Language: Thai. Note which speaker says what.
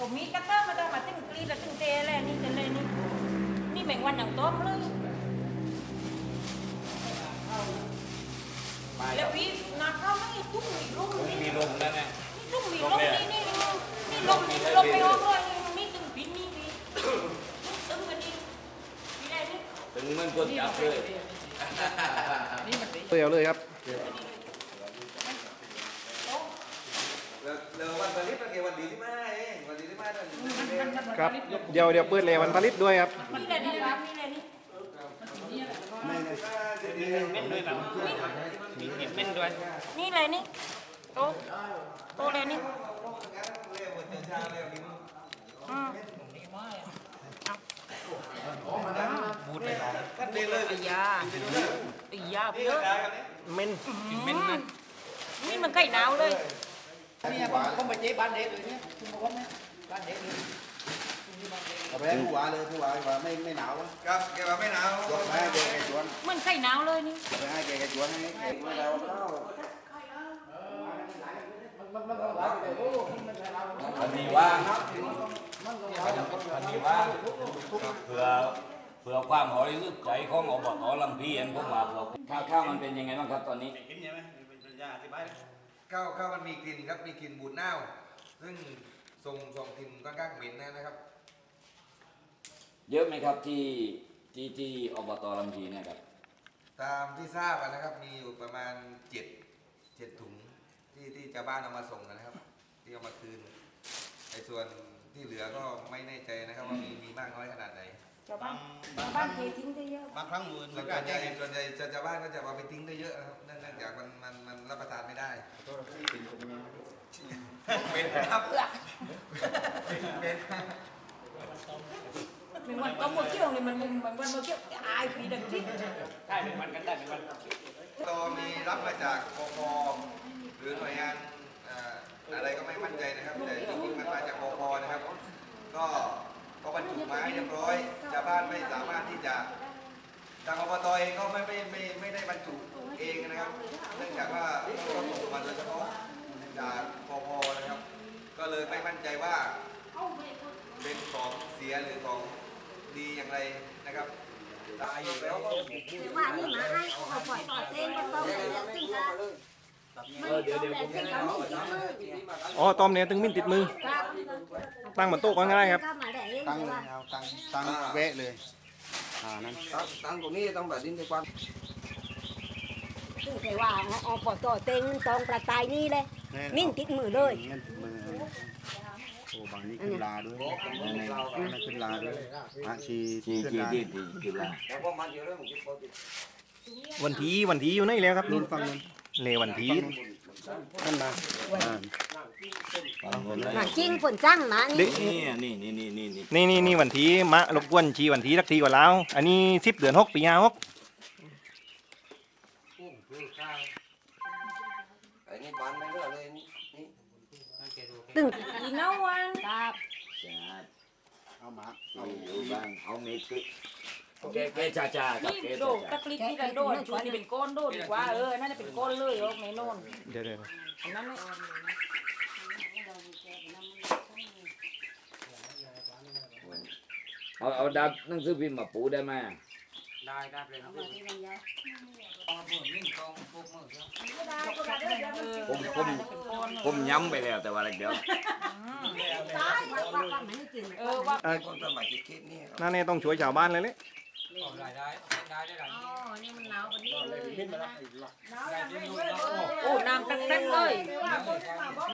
Speaker 1: ผมมีกระเตื้อมาตั้งมาตึ้งกรีดแล้วตึ้งเตะเลยนี่จะเลยนี่แมงวันอย่างต้มเลยแล้วพี่นักเข้าไม่ตุ้งมีลม
Speaker 2: มีลมแล้วไง
Speaker 1: นี่ตุ้งมีลมนี่ลมไม่ออกเลยนี่ตึ้งปีนี่พี่ตึ้งกันนี่พี่ได้นี่
Speaker 2: ตึงมันกดจับเลย
Speaker 3: เตียวเลยครับ
Speaker 4: เดี๋ยววันผลิตมันเกี่ยววันดีที่มาเองวันดีที่มา
Speaker 3: ครับเดี๋ยวเปิดเลยวันผลิตด้วยครับ
Speaker 1: นี่เลยนี่ครับนี่เลยนี่
Speaker 2: เม่นด้วยแบบมีเม่นด้วย
Speaker 1: นี่เลยนี่โตเลยนี่
Speaker 2: บูดไปหรอ
Speaker 4: กันเดียวเลย
Speaker 1: ไอ้ยาเยอะ
Speaker 3: เม่น
Speaker 2: เม่นนะ
Speaker 1: นี่มันไก่หนาวเลย
Speaker 4: นี่ผมไปเจ๊บ้านเด็กเลยเนี่ยคุณบอกว่าไหมบ้านเด็กเลยเอาไปให้ผู้ว่าเลยผู้ว่าไม่หนาวครับแกว่าไม่หนาวยกให้แกชวน
Speaker 1: มันไก่หนาวเลยนี่
Speaker 4: ไปให้แกชวนให้แกไม่หนาว
Speaker 2: มันมีว่างมันมีว่างเผื่อความหอยลึกใจของอบต.ลำพีเห็นพวกมาเราข้าวมันเป็นยังไงบ้างครับตอนนี้
Speaker 4: ข้าวมันมีกลิ่นครับมีกลิ่นบูดเน่าซึ่งส่งกลิ่นค่อนข้างเหม็นนะครับ
Speaker 2: เยอะไหมครับที่อบต.ลำพีเนี่ยครับ
Speaker 4: ตามที่ทราบนะครับมีอยู่ประมาณ7ถุงที่ชาวบ้านเอามาส่งนะครับที่เอามาคืนไอ้ส่วนที่เหลือก็ไม่แน่ใจนะครับว่ามีมากน้อยขนาดไหน
Speaker 1: ชาวบ้านเททิ้งได้เยอะ
Speaker 4: บางครั้งส่วนใหญ่ชาวบ้านก็จะเอาไปทิ้งได้เยอะนะครับเนื่องจากมันรับประทานไม่ได้เป็นครับ
Speaker 1: เป็นวันก็หมดเที่ยวเลยมันวันหมดเที่ยวอายปีดังที่
Speaker 2: ได้เป็นวันกันได้เป็นวัน
Speaker 4: เรามีรับมาจากปภหรือหน่วยงานอะไรก็ไม่มั่นใจนะครับแต่จริงๆมันมาจากปภนะครับก็บรรจุมาให้เรียบร้อยชาวบ้านไม่สามารถที่จะทางอบต.เองก็ไม่ได้บรรจุเองนะครับเนื่องจากว่าต้องส่งมาโดยเฉพาะจากปภนะครับก็เลยไม่มั่นใจว่าเป็นของเสียหรือของดีอย่างไรนะครับตายอยู่แล้วก็
Speaker 1: ว่านี่มาให้เขาปล่อยเต้นก็ต้องเลยจริงนะ
Speaker 2: เดี๋ยว
Speaker 3: อ๋อต้มเนี่ยตึงมิ้นติดมือตั้งบนโต๊ะก็ง่ายครับ
Speaker 4: ตั้งเลยเอาตั้งเวะเลยนั่นตั้งตรงนี้ต้องแบบดิ้นไปกว้าง
Speaker 1: ซึ่งแต่ว่าเอาปล่อยเต้นตองประตายนี่เลยมิ้นติดมือเลย
Speaker 4: โอ้บางนี้ขึ้นลาด้วยขึ้นลาด้วยชีขึ้นลา
Speaker 3: วันทีอยู่ไหนแล้วครับ
Speaker 4: นู่นฟังนู่น
Speaker 3: เลวันที
Speaker 4: นั่นมา
Speaker 1: หนังจริงฝนจ้างนะ
Speaker 3: นี่วันทีมะรบกวนชีวันทีสักทีกว่าแล้วอันนี้10 เดือน 6 ปี 56
Speaker 1: ตึงอีน้องวันครับ
Speaker 4: เอามา
Speaker 2: เอาบ้างเอาเมฆแกจ่า
Speaker 1: นี่โดดตะกลิกที่ละโดดชุดนี่เป็นก้อนโดดดีกว่าน่าจะเป็นก้อนเลยไม่โน่น
Speaker 3: เดี๋ยว
Speaker 1: อันนั้น
Speaker 2: เอาดับหนังสือพิมพ์มาปูได้ไหม
Speaker 4: ได้เลย
Speaker 2: ผมย้ำไปแล้วแต่ว่าเดี๋ยว
Speaker 3: นั่นเนี่ยต้องช่วยชาวบ้านเลย
Speaker 1: นี่มันหนาวกว่านี้เลยโอ้น้ำเต็มเลย